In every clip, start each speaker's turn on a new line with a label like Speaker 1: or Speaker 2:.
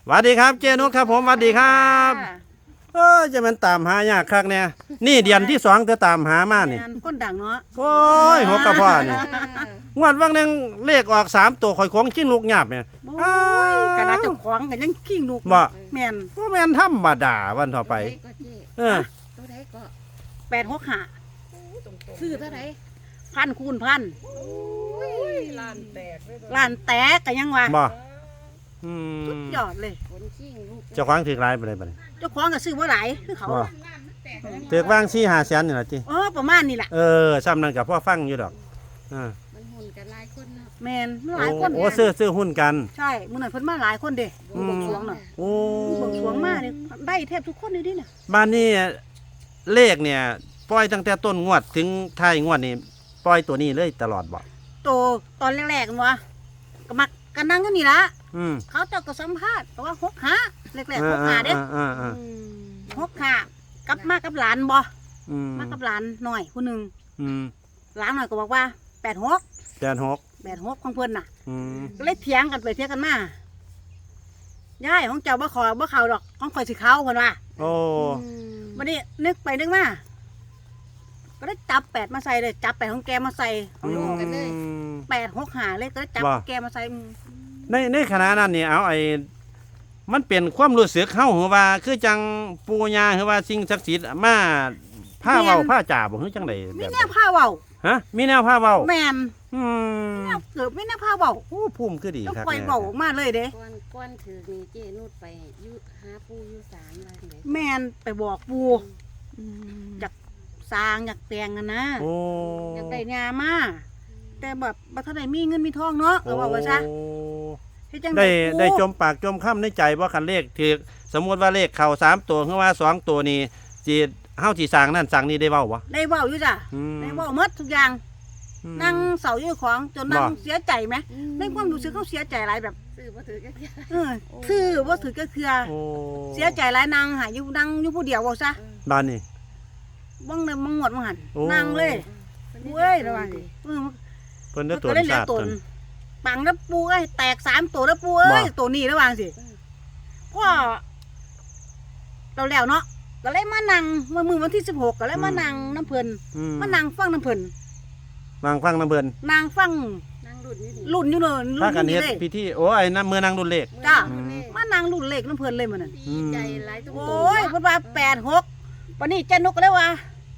Speaker 1: สวัสดีครับเจนุชครับผมสวัสดีครับจะมันตามหายากคักเนี่ยนี่เดือนที่สองจะตามหามานี่
Speaker 2: ก้นดังเนาะ
Speaker 1: โอ้ยหัวกระเพาะนี่งวดวันหนึงเลขออก3ตัวข่อยของชิ้นลูกหยาบเนี่ย
Speaker 2: โอ้ยกระดาษเจ้าของกันยังกิ้งลูก
Speaker 1: บ่
Speaker 2: แม่น
Speaker 1: ก็แม่นธรรมดาวันต่อไปเออ
Speaker 3: ตัวใดก็
Speaker 2: 865
Speaker 3: ซื้อเท่าไหร่
Speaker 2: พันคูณพัน
Speaker 3: ล้านแตก
Speaker 2: ล้านแตกกันยังวะ
Speaker 1: บ่
Speaker 2: สุดยอดเลย
Speaker 3: ผลชิงลูก
Speaker 1: เจ้าของถือหลายไปเลยบัดนี้
Speaker 2: เจ้าของก็ซื้อบ่หลายคือเขา
Speaker 1: บ่ถือวาง4-5แสนนี่ล่ะติ
Speaker 2: ประมาณนี้แหละ
Speaker 1: ซ้ำนั้นก็พอฟังอยู่ดอกอ่า
Speaker 3: มันหุ่นกันหลายคนเนาะ
Speaker 2: แม่นหลายคน
Speaker 1: โอ้ซื้อหุ้นกัน
Speaker 2: ใช่มื้อนั้นเพิ่นมาหลายคนเด้บวงสรวงน่ะ
Speaker 1: โอ้
Speaker 2: บวงสรวงมาเนี่ยได้แทบทุกคนเลยดิเนี่ย
Speaker 1: บ้านนี้เลขเนี่ยปล่อยตั้งแต่ต้นงวดถึงท้ายงวดนี่ปล่อยตัวนี้เลยตลอดบ่
Speaker 2: โตตอนแรกๆกันวะก็มักกันนั่งกันนี่ละ
Speaker 1: อืม
Speaker 2: เขาเจ้าก็สัมภาษณ์แต่ว่า6-5แรกๆ6-5เด้ 6-5กลับมากับหลานบ่
Speaker 1: อืม
Speaker 2: มากับหลานหน่อยผู้หนึง
Speaker 1: อืม
Speaker 2: หลานหน่อยก็บอกว่า86
Speaker 1: 86
Speaker 2: ของเพิ่นน่ะ
Speaker 1: อืม
Speaker 2: ก็เลยเถียงกันไปเถียงกันมายายของเจ้าบ่ขอบ่เข้าดอกของข่อยสิเข้าเพิ่นว่า
Speaker 1: โอ้
Speaker 2: บัดนี้นึกไปนึกมาก็ได้จับ8มาใส่เลยจับ8ของแกมาใส่ของลูก865เลยก็ได้จับแกมาใส่
Speaker 1: ในขณะนั้นนี่เอามันเป็นความรู้สึกเฮาหรือว่าคือจังปู่ย่าหรือว่าสิ่งศักดิ์สิทธิ์มาพาเว้าพาจ่าบ่คือจังได๋
Speaker 2: มี
Speaker 1: แบบ
Speaker 2: แนวผ้าเว้า
Speaker 1: ฮะมีแนวพาเว้า
Speaker 2: แม่น
Speaker 1: อืม
Speaker 2: แนวเกิดมีแนวผ้าเว้า
Speaker 1: โอ้ภูมิคือดี
Speaker 2: ต้อง
Speaker 1: ครับ
Speaker 2: ปล่อยเว้าออกมาเลยเด้
Speaker 3: ก้อนถือนี่เจนุดไปยุหาปูยุสารอะไรไหน
Speaker 2: แม่นไปบอกปู่อยากสร้างอยากแต่งกันนะ
Speaker 1: โอ้
Speaker 2: อยากได้งามาแต่แบบบ่ทันได้มีเงินมีทองเนาะก็ว่าว่าซะเฮ็ดจัง
Speaker 1: ได้
Speaker 2: ปู่
Speaker 1: ได้จมปากจมคำในใจว่าคันเลขถือสมมุติว่าเลขเข้า3ตัวหรือว่า2ตัวนี่สิเฮาสิสร้างนั่นสร้างนี่ได้เว้าบ่
Speaker 2: ได้เว้าอยู่จ้ะ
Speaker 1: อืม
Speaker 2: ได้เว้าหมดทุกอย่าง นั่งเสาอยู่ของจนนั่งเสียใจไหมในความรู้สึกเขาเสียใจหลายแบบ
Speaker 3: ซื้อมาถือกัน
Speaker 2: คือว่าถือก็คือ
Speaker 1: โอ้
Speaker 2: เสียใจหลายนางหาอยู่นั่งอยู่ผู้เดียวว่าซะ
Speaker 1: บ้านนี่
Speaker 2: บ้างเลยมังหมดมังหัน
Speaker 1: โอ้
Speaker 2: นั่งเลยเว้ยระวังเออ
Speaker 1: เพิ่นได้
Speaker 2: มัน
Speaker 1: ตัว
Speaker 2: ก็ได้เหลือ
Speaker 1: ชาติ
Speaker 2: ต
Speaker 1: ต
Speaker 2: น
Speaker 1: น
Speaker 2: ปังแล้วปูเอ้ยแตก3ตัวแล้วปูเอ้ย
Speaker 1: บ่
Speaker 2: ตัวนี้ระวังสิก็เราแล้วเนาะก็เลยมานั่งเมื่อวันที่16ก็เลยมานั่งน้ำเพลิน
Speaker 1: อื
Speaker 2: มานั่งฟังน้ำเพลิน
Speaker 1: บางฟังน้ำเพิ่น
Speaker 2: นั่งฟัง
Speaker 3: นั่งรุ่นนี่ดิ
Speaker 2: รุ่นอยู่เนอะรุ่
Speaker 1: พาน กัน
Speaker 2: อยู่
Speaker 1: เฮ็ด
Speaker 2: นี่เลย
Speaker 1: พิธีโอ้ไอ้นั่นมือนางรุ่นเลข
Speaker 2: จ้า
Speaker 1: อืม
Speaker 2: มานั่งรุ่นเล็กน้ำเพลินเลยมันนั่น
Speaker 3: ดีใจหลายตัว
Speaker 2: โอ้ยเพิ่นว่า86วันนี้เจนกก็เลยว่า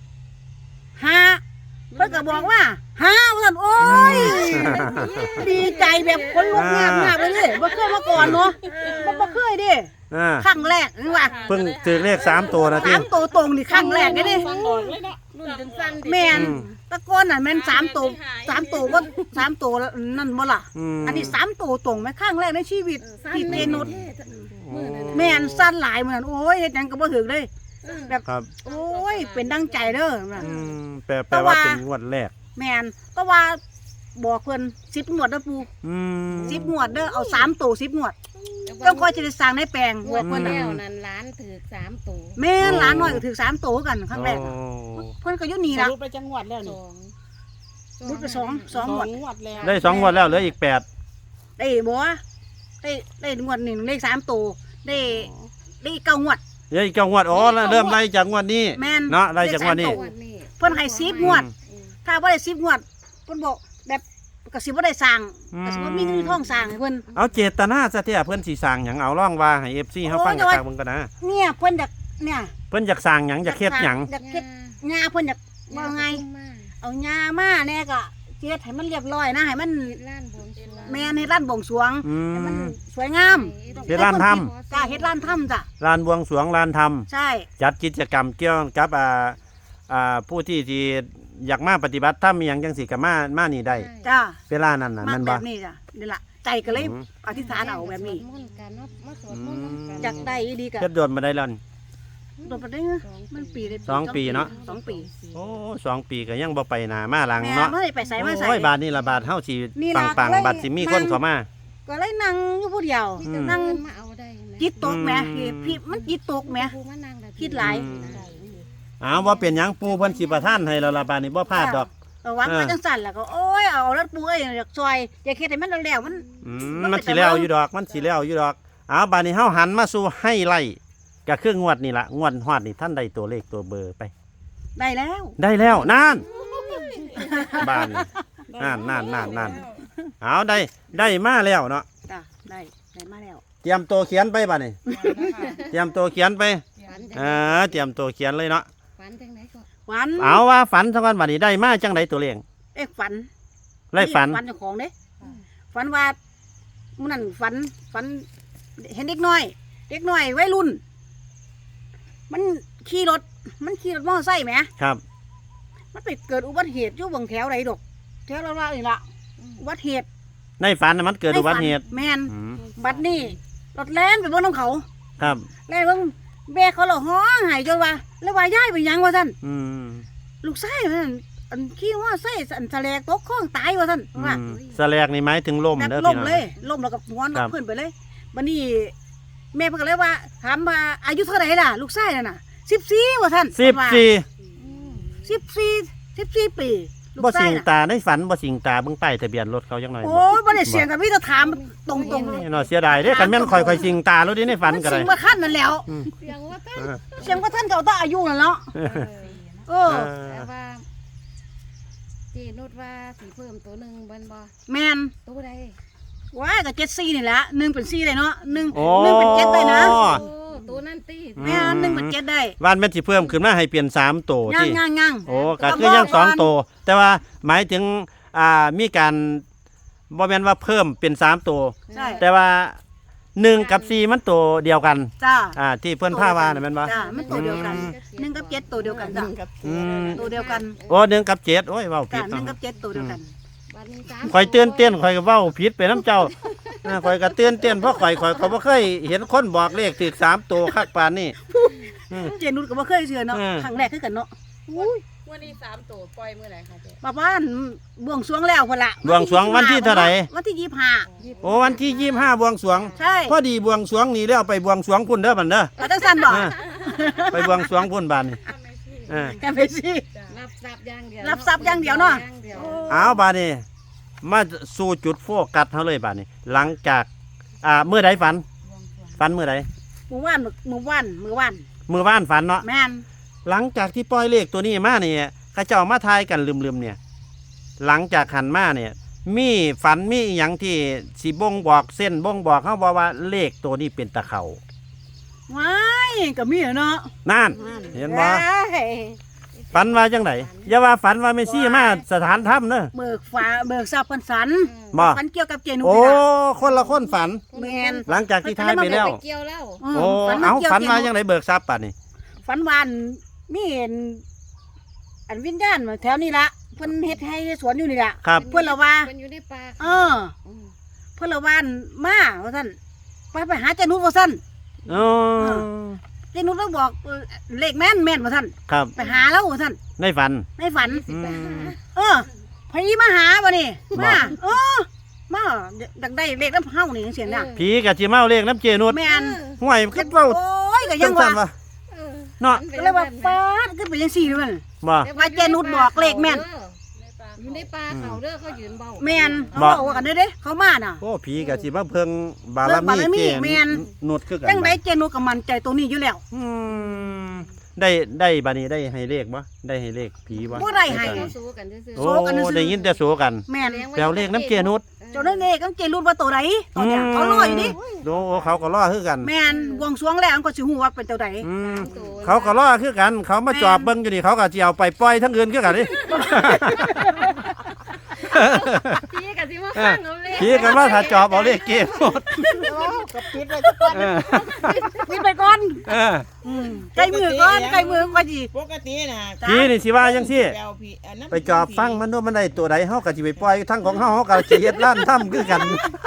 Speaker 2: 5เพิ่นก็บอกว่า5ว่าซั่นโอ้ยดีใจแบบคนลุกงามๆเลยเด้บ่เคยมาก่อนเนาะบ่เคยเด้
Speaker 1: อ่า
Speaker 2: ครั้งแรกนี่ว่า
Speaker 1: เพิ่งถือเลข3ตัวนะที่
Speaker 2: 3ตัวตรงนี่ครั้งแรกเด้
Speaker 3: รุ่นจนสั้นดิ
Speaker 2: แม่น
Speaker 1: อืม
Speaker 2: ตะโกนน่ะแม่น3ตัว3ตัวบ่3ตัวนั่นบ่ล่ะ อันนี้3ตัวตรงแม่ครั้งแรกในชีวิตที่เป็นนุชแม่นสั้นหลายเหมือนโอ้ยเฮ็ดหยังก็บ่ถึกเลย แบบ
Speaker 1: ครับ
Speaker 2: โอ้ยเป็นดังใจเด้อน่ะ
Speaker 1: แปลว่าเป็นงวดแรก
Speaker 2: แม่นก็ว่าบอกเพิ่น10งวดเด้อปู่
Speaker 1: อืม
Speaker 2: 10งวดเด้อเอา3ตัว10งวดต้องคอยจะได้สร้างในแปลง
Speaker 3: หัวคนแล้วนั่นล้านถือ3ตัว
Speaker 2: แม่นหลานน้อยก็ถือ3ตัวกันครั้งแรก
Speaker 1: โอ้
Speaker 2: เพิ่นก็อยู่นี่
Speaker 4: ส
Speaker 2: ล่ะ
Speaker 4: รุปไปจังหวัดแล้ว
Speaker 3: ส
Speaker 4: นี่
Speaker 3: อง
Speaker 2: รุดไป2งวด
Speaker 4: งวดแล้ว
Speaker 1: ได้2งวดแล้วเหลืออีก8
Speaker 2: ได้บ่ได้งวดหนึงได้3ตัวได้9งวด
Speaker 1: เหลืออีก9งวดอ๋อแล้วเริ่มไล่จากงวดนี้
Speaker 2: แม่น
Speaker 1: เนาะไล่จากงวดนี้
Speaker 2: ได้
Speaker 3: งวดนี้
Speaker 2: เพิ่นให้10งวด ถ้าบ่ได้10งวดเพิ่นบอกแบบก็สิบ่ได้สร้างก็สิบ่มีเงินมีทองสร้างให้เพิ่น
Speaker 1: เอาเจตนาซะเที่ยเพิ่นสิสร้างหยังเอาร่องว่าให้ FC เฮาฟังกันเบิ่งกันนะ
Speaker 2: เนี่ยเพิ่นอยากเนี่ย
Speaker 1: เพิ่นอยากสร้างหยังอยากเฮ็ดหยัง
Speaker 2: อยากเฮ็ดหญ้าเพิ่นอยากว่าไง เอาหญ้ามาแน่ก็เฮ็ดให้มันเรียบร้อยนะให้มัน
Speaker 3: ล้านบวงสรวง
Speaker 2: แม่นให้ร้านบวงสรวง
Speaker 1: อื
Speaker 2: ให้มัน
Speaker 1: ม
Speaker 2: สวยงาม
Speaker 1: เฮ็ดร้านท
Speaker 2: จ้าเฮ็ดร้านทำจ้ะ
Speaker 1: ลานบวงสรวงลานธรรม
Speaker 2: ใช่
Speaker 1: จัดกิจกรรมเกี่ยวกับผู้ที่อยากมาปฏิบัติธรรมอหย่างจังสิก็มานี่ได้
Speaker 2: จ้า
Speaker 1: เวลานั้นน่ะ
Speaker 2: มา
Speaker 1: แม่น
Speaker 2: แบ
Speaker 1: บ่
Speaker 2: บนี้จ้ะนี่ล่ะใจก็เลย
Speaker 1: อืม
Speaker 2: อธิษฐานเอาแบบนี้
Speaker 3: สวดมนต์กันเนาะมาสวดมนต์กัน
Speaker 2: อยากได้อีดีก็
Speaker 1: เฮ็ดโดนมาได้แล้วนี่
Speaker 2: โดนไปได้มันปีได้
Speaker 1: สองปีเนาะ
Speaker 2: 2 ปี
Speaker 1: โอ้2 ปีก็ยังบ่ไปหน้ามาหลัง
Speaker 2: แม่
Speaker 1: เนาะ
Speaker 2: บ่ได้ไปไสมาไส
Speaker 1: โอ้ยบาทนี่ละบาทเฮาสิ
Speaker 2: นี่
Speaker 1: ปั
Speaker 2: ล่ะ
Speaker 1: งปัง
Speaker 2: ก็เลย
Speaker 1: บัดสิมีคน
Speaker 2: นั่ง
Speaker 1: เข้ามา
Speaker 2: ก็เลยนั่งอยู่ผู้เดียว
Speaker 3: มีแต่
Speaker 2: นั่ง
Speaker 3: เงินมาเอาได้ไหม
Speaker 2: จิตตกแหม
Speaker 1: อืม
Speaker 2: พี่มันจิตตกแหม
Speaker 3: ปูมานั่งได้
Speaker 2: คิดหลาย
Speaker 1: อ้าวว่าเป็นหยังปู่เพิ่นสิประทานให้แล้วล่ะบาดนี้บ่พลาดดอก
Speaker 2: ก็หวังว่าจังสั่นแล้วก็โอ้ยเอารถปูเอ้ยอยากซอยอยากเฮ็ดให้มันแล้วๆมัน
Speaker 1: มันสิแล้วอยู่ดอกมันสิแล้วอยู่ดอกเอาบัดนี้เฮาหันมาสู่ให้ไล่ก็คืองวดนี่ล่ะงวดฮอดนี่ท่านได้ตัวเลขตัวเบอร์ไป
Speaker 2: ได้แล้ว
Speaker 1: ได้แล้วนั่นบ้านนี่นั่นเอาได้มาแล้วเนาะ
Speaker 2: จ้ะได้มาแล้ว
Speaker 1: เตรียมตัวเขียนไปบัดนี้เตรียมตัวเขียนไป
Speaker 3: ฝันจัง
Speaker 1: เตรียมตัวเขียนเลยเนาะ
Speaker 3: ฝันจังไหนก็
Speaker 2: ฝัน
Speaker 1: เอาว่าฝันสักวันบัดนี้ได้มาจังไดตัวเลข
Speaker 2: ฝัน
Speaker 1: ไล่ฝัน
Speaker 2: ฝันเจ้าของเด้ฝันว่ามื้อนั้นฝันเห็นเด็กน้อยวัยรุ่น มันขี่รถมอเตอร์ไซค์แหม
Speaker 1: ครับ
Speaker 2: มันไปเกิดอุบัติเหตุอยู่บางแถวไหนดอกแถวละนี่ล่ะอุบัติเหตุ
Speaker 1: ในฝันน่ะมันเกิดอุบัติเหตุ
Speaker 2: แม่น
Speaker 1: อืม
Speaker 2: บัดนี้รถแล่นไปบนน้ำเขา
Speaker 1: ครับ
Speaker 2: แล่นเบิ่งแม่เขาละฮ้องไห้จนว่าแล้วว่าย้ายไปหยังว่าซั่น
Speaker 1: อืม
Speaker 2: ลูกชายมันอันขี่ว่าไส้อันทะเลตกคลองตายว่าซั่นว่า
Speaker 1: สแลกนี่หมายถึงลม
Speaker 2: แบบ
Speaker 1: เด้อ
Speaker 2: ล่
Speaker 1: พี่
Speaker 2: ม
Speaker 1: น้อง
Speaker 2: เลยล่มแล้วก็งอน
Speaker 1: ครั
Speaker 2: กับบ เพื่อนไปเลยบัดนี้แม่เพิ่นก็เลยว่าถามว่าอายุเท่าไหร่ล่ะลูกชายนั่นน่ะ14ว่าซั่น 14ปีลู
Speaker 1: บ่
Speaker 2: กชา
Speaker 1: สิ
Speaker 2: ย
Speaker 1: ง
Speaker 2: น่ะ
Speaker 1: ตาในฝันบ่สิงตาเบิ่งป้ายทะเบียนรถเขาจังหน่อย
Speaker 2: โอ้ยบ่ได้เสียงกันมีแต่ถามตรง
Speaker 1: นี่เนาะเสียดายเด้คันแม่นข่อยสิงตาแล้วดิในฝัน
Speaker 2: มัน
Speaker 1: ก็
Speaker 2: สิ
Speaker 1: ได้
Speaker 2: งว่าขั้นนั่นแล้ว
Speaker 3: เสียงว่าเต้น
Speaker 2: เสียงว่าท่านเก่าต้องอายุนั่นเนาะเออ
Speaker 3: แต่ว่าเจนุดว่าสิเพิ่มตัวหนึงบ่บ่
Speaker 2: แม่น
Speaker 3: ตัวใด
Speaker 2: ว่าก็74นี่แหละ1เป็น4ได้เนาะ1
Speaker 1: โอ้
Speaker 2: เป็น7ได้นะ
Speaker 3: โอ้ตัวนั่นตี
Speaker 2: แม่น1เป็น7ได้
Speaker 1: ว่านแม่นสิเพิ่มขึ้นมาให้เปลี่ยน3ตัว
Speaker 2: ย่าง
Speaker 1: ที่
Speaker 2: ย่าง
Speaker 1: โอ้ก็คือยัง2ตัวแต่ว่าหมายถึงมีการบ่แม่นว่าเพิ่มเป็น3ตัว
Speaker 2: ใช่
Speaker 1: แต่ว่า1กับ4มันตัวเดียวกัน
Speaker 2: จ้า
Speaker 1: ที่เพิ่นพาว่าน่ะแม่นบ่
Speaker 2: จ้ามันตัวเดียวกัน1กับ7ตัวเดียวกันจ้ะ
Speaker 1: อืม
Speaker 2: ตัวเดียวกัน
Speaker 1: โอ้1กับ7โอ้ยเว้าผิ
Speaker 2: จ้า
Speaker 1: ด
Speaker 2: 1กับ7ตัวเดียวกัน
Speaker 3: บัดนี้3
Speaker 1: ข่อยตื่นเต้นข่อยก็เว้าผิดไปน้ำเจ้าข่อยก็ตื่นเต้นเพราะข่อยก็บ่เคยเห็นคนบอกเลขถูก3ตัวคักปานนี้
Speaker 2: เจนุชก็บ่เคยเชื่อเนาะ
Speaker 1: อืม
Speaker 2: ครั้งแรกคือกันเนาะ
Speaker 4: วันนี้3ตัวปล่อยมื้อไหร่คะเจ๊
Speaker 2: ป้าบ้านบวงสรวงแล้วพุ่นล่ะ
Speaker 1: บวงสรวงวันที่เท่าไหร่
Speaker 2: วันที่25
Speaker 1: โอ้วันที่25บวงสรวง
Speaker 2: ใช่
Speaker 1: พอดีบวงสรวงนี่แล้วไปบวงสรวงพุ่นเด้อบัดเด้อ
Speaker 2: เอาจังซั่นบ่
Speaker 1: ไปบวงสรวงพุ่นบานนี่เออ
Speaker 2: แค่ไปสิ
Speaker 3: รับทรัพย์อย่างเดียว
Speaker 2: รับทรัพย์อย่างเดียวเนาะ
Speaker 3: อย่างเดียว
Speaker 1: เอาบาดนี้มาสู่จุดโฟกัสเฮาเลยบาดนี้ หลังจากเมื่อใดฝันเมื่อใด
Speaker 2: มื้อวาน
Speaker 1: มื้อวานฝันเนาะ
Speaker 2: แม่น
Speaker 1: หลังจากที่ปล่อยเลขตัวนี้มานี่เขาเจ้ามาทายกันลืมๆเนี่ย หลังจากหันมาเนี่ย มีฝันมีอหยังที่สิบ่งบอกเส้นบ่งบอกเฮาบอกว่าเลขตัวนี้เป็นตะเขา
Speaker 2: ว้ายก็มีเนาะ
Speaker 1: นั่นเห็นบ่
Speaker 2: เอ้ย
Speaker 1: ฝันว่าจังไดอย่าว่าฝันว่าแม่ซี่มาสถานถ้ำเด้อ
Speaker 2: เบิกทรัพย์เพิ่นสัน
Speaker 1: บ่
Speaker 2: ฝันเกี่ยวกับเจนุช
Speaker 1: โอ้
Speaker 2: นี่ล่ะ
Speaker 1: คนละคนฝัน
Speaker 2: แม่น
Speaker 1: หลังจากที่ทายไปแล้ว
Speaker 3: ไปเกี่ยวแล้ว
Speaker 1: โอ้เอาฝันมาจังไดเบิกทรัพย์ป่ะนี่
Speaker 2: ฝันวานมีเห็นอันวิญญาณมาแถวนี้ละเพิ่นเฮ็ดให้สวนอยู่นี่ล่ะ
Speaker 1: ครับ
Speaker 2: เพิ่นละว่า
Speaker 3: เป็นอยู่ในป่า
Speaker 2: เออ เพิ่นละวานมาว่าซั่นไปหาเจนุชว่าซั่น
Speaker 1: อ๋อ
Speaker 2: เจนุชแล้วบอกเลขแม่นว่าซั่น
Speaker 1: ครับ
Speaker 2: ไปหาแล้วว่าซั่น
Speaker 1: ในฝัน
Speaker 2: ในฝัน
Speaker 1: อืม
Speaker 2: เออพอีมาหาบ่นี่
Speaker 1: บ่
Speaker 2: มาเออมาดักได้เลขน้ำเฮานี่จังซี่น่ะ
Speaker 1: ผีกับจิเมาเลขน้ำเจนุด
Speaker 2: แม่น
Speaker 1: ห่วยคิดเว้า
Speaker 2: โอ้ยก็ยั
Speaker 1: จั
Speaker 2: ง
Speaker 1: งซั่
Speaker 2: ว่าน
Speaker 1: วะเนาะ
Speaker 2: ก็เลยว่าฟาดขึ้นไปจังซี่ด้วยมัน
Speaker 1: บ่
Speaker 2: ว่าเจนุชบอกเลขแม่น
Speaker 3: อยู่ในป่าเขาเด้อเขายืนเบา
Speaker 2: แม่นเขา
Speaker 1: บ่
Speaker 2: บอกว่ากันเด้เขามาน่ะ
Speaker 1: โอ้ผีกับจิมาเพิ่งบาร
Speaker 2: เพิ่งบารมี
Speaker 1: มีเจ
Speaker 2: แม่น
Speaker 1: นุดคือกัน
Speaker 2: จังไดเจนุชก็มั่นใจตรงนี้อยู่แล้ว
Speaker 1: อืมได้บัดนี้ได้ให้เลขบ่ได้ให้เลขผีบ่
Speaker 2: บ่ได้ให้
Speaker 3: เขาสู้กันซื่อ
Speaker 1: โอ้
Speaker 2: โซกันซื่อ
Speaker 1: ได้ยินแต่โซกัน
Speaker 2: แม่น
Speaker 1: แปลเลขน้ำเจนุด
Speaker 2: เจ้านั่นเองก็เจนุชว่าตัวใดตอนเนี้ยเขารออยู่นี่
Speaker 1: โอ้เขาก็รอคือกัน
Speaker 2: แม่นบวงสรวงแล้วก็สิฮู้ว่าเป็นตัวใด
Speaker 1: อืมเขาก็รอคือกัน เขามาจอบเบิ่งอยู่นี่เขาก็สิเอาไปปล่อยทั้งอื่นคือกันนี่
Speaker 3: พี่กับที่มาฟังเอาเลย
Speaker 1: ผีกันว่าถ้าจอบเอาเลขเกมหมด
Speaker 2: ก็ปิดไว้สักก่อน
Speaker 1: เออ
Speaker 2: ปิดไปก่อน
Speaker 1: เออ
Speaker 2: ใกล้มือก่อนใกล้มือก่อนสิ
Speaker 4: ปกติน่ะ
Speaker 1: ผีนี่สิว่าจังซี่
Speaker 4: แปลวพี่อันนั้น
Speaker 1: ไปจอบฟังมันด้วยมันได้ตัวใดเฮาก็สิไปปล่อยทั้งของเฮาก็สิเฮ็ดร้านถ้ำคือกัน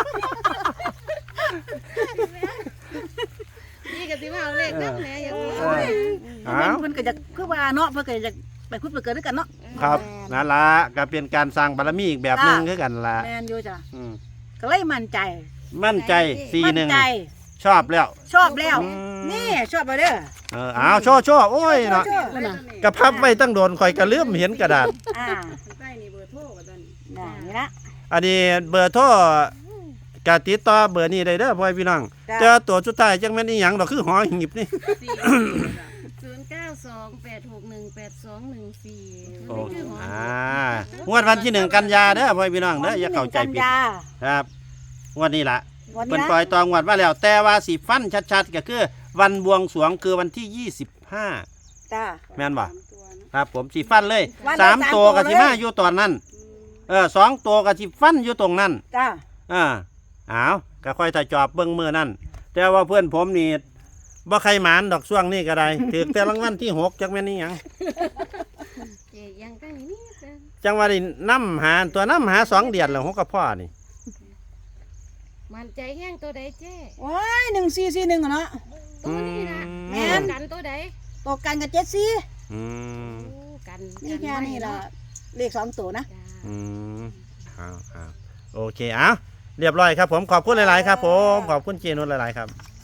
Speaker 3: พี่กับที่มาเอาเลขนั่นแหละอย่างนี้
Speaker 1: อ้าว
Speaker 2: เพิ่นก็จะคือว่าเนาะเพิ่นก็จะไปคุดไปเกิดด้วยกันเนาะ
Speaker 1: ครับนั่นล่ะก็เป็นการสร้างบารมีอีกแบบหนึงคือกันล่ะ
Speaker 2: แม่นอยู่จ้ะ
Speaker 1: อืม
Speaker 2: ก็เลยมั่นใจ
Speaker 1: มั่นใจ
Speaker 2: มั่นใจ
Speaker 1: 41ชอบแล้ว
Speaker 2: ชอบแล้ว
Speaker 1: อืม
Speaker 2: นี่ชอบไปเด้อ
Speaker 1: อ้าวโชว์โอ้ยเนาะ
Speaker 2: ชอบน่ะ
Speaker 1: กระพับไว้ตั้งโดนข่อยก็ลืมเห็นกระดาษ
Speaker 2: อ่า
Speaker 4: ใต้นี่เบอร์โทรว่าซั่น
Speaker 2: นี่ละ
Speaker 1: อันนี้เบอร์โทรก็ติดต่อเบอร์นี้ได้เด้อพ่อพี่น้อง
Speaker 2: จ้ะ
Speaker 1: เจอตัวสุดท้ายจังแม่นอีหยังดอกคือหอหีบนี่
Speaker 3: 0928618214
Speaker 1: โอ้งวดวันที่1กันยาเด้อพ่อพี่น้องเด้ออย่าเข้าใจผิด
Speaker 2: กันยา
Speaker 1: ครับงวดนี้ล่ะ
Speaker 2: วัน
Speaker 1: เพิ่น
Speaker 2: นี้
Speaker 1: ปล่อยตองวดมาแล้ว แต่ว่าสิฟันชัดๆก็คือวันบวงสรวงคือวันที่25
Speaker 2: จ้า
Speaker 1: แม่นบ่ครับผมสิฟันเลย
Speaker 2: วันละ
Speaker 1: สาม
Speaker 2: 3
Speaker 1: ตัวก็สิมา
Speaker 2: เลย
Speaker 1: อยู่ตอนนั้น2ตัวก็สิฟันอยู่ตรงนั้น
Speaker 2: จ้า
Speaker 1: อ้าวก็ค่อยถ้าจอบเบิ่งมื้อนั้นแต่ว่าเพื่อนผมนี่บ่ใครหมานดอกช่วงนี้ก็ได้ ถือแต่รางวัลที่6จักแม่นอีหยัง
Speaker 3: เจยังตั้งนี่จ้ะ
Speaker 1: จังว่าได้นำหาตัวนํหา2เดือนแล้ว6กับพ่อนี่
Speaker 3: มันใจแห้งตัวใดเจ้
Speaker 2: โอ้ย1441อะเนาะ
Speaker 3: ตัวนี้นะ
Speaker 2: แม่น
Speaker 3: กันตัวใด
Speaker 2: ตกกันกับ74
Speaker 1: อืม
Speaker 3: โอ้กัน
Speaker 2: นี่แค่นี้ล่ะเลข2ตัวนะ
Speaker 3: จ้า
Speaker 1: อืมครับโอเคเอาเรียบร้อยครับผมขอบคุณหลายๆครับผมขอบคุณเจนุชหลายๆครับ